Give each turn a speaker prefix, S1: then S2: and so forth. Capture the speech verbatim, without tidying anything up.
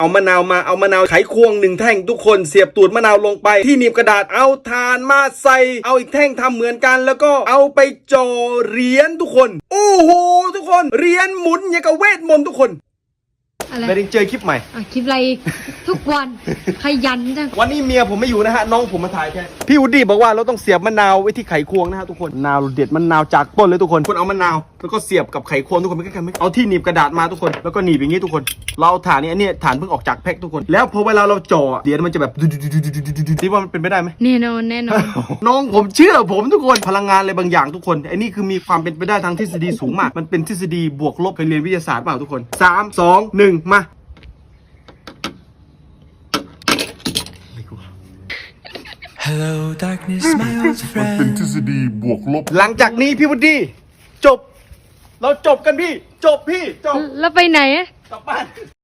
S1: เอามะนาวมาเอามะนาวไขควงหนึ่งแท่งทุกคนเสียบตูดมะนาวลงไปที่หนีบกระดาษเอาถ่านมาใส่เอาอีกแท่งทำเหมือนกันแล้วก็เอาไปจ่อเหรียญทุกคนโอ้โหทุกคนเหรียญหมุนอย่างกับเวทมนต์ทุกคน
S2: อะไร
S1: ไปเจอคลิปใหม่
S2: อ่ะคลิปอะไรทุกวันขยันจัง
S1: วันนี้เมียผมไม่อยู่นะฮะน้องผมมาถ่ายแค่พี่วูดดี้บอกว่าเราต้องเสียบมะนาวไว้ที่ไขควงนะฮะทุกคนมะนาวเด็ดมะนาวจากต้นเลยทุกคนคนเอามะนาวแล้วก็เสียบกับไขควงทุกคนไม่ใกล้ๆไม่เอาที่หนีบกระดาษมาทุกคนแล้วก็หนีบอย่างนี้ทุกคนเราเอาถ่านนี้อันนี้ถ่านเพิ่งออกจากแพ็คทุกคนแล้วพอเวลาเราจ่อเหรียญมันจะแบบคิดว่ามันเป็นไปได้ไหม
S2: แน่นอนแน่นอน
S1: น้องผมเชื่อผมทุกคนพลังงานอะไรบางอย่างทุกคนไอ้นี่คือมีความเป็นไปได้ทางทฤษฎีสูงมากมันเป็นทฤษฎีบวกลบเคยเรียนวิทยาศาสตร์เปล่าทุกคนสาม สอง หนึ่งมา
S3: Hello darkness my old friend
S4: เป็นทฤษฎีบวกลบ
S1: หลังจากนี้พี่วุฒิจบเราจบกันพี่จบพี่จบ
S2: แล้วไปไหนอะ
S1: กลับบ้าน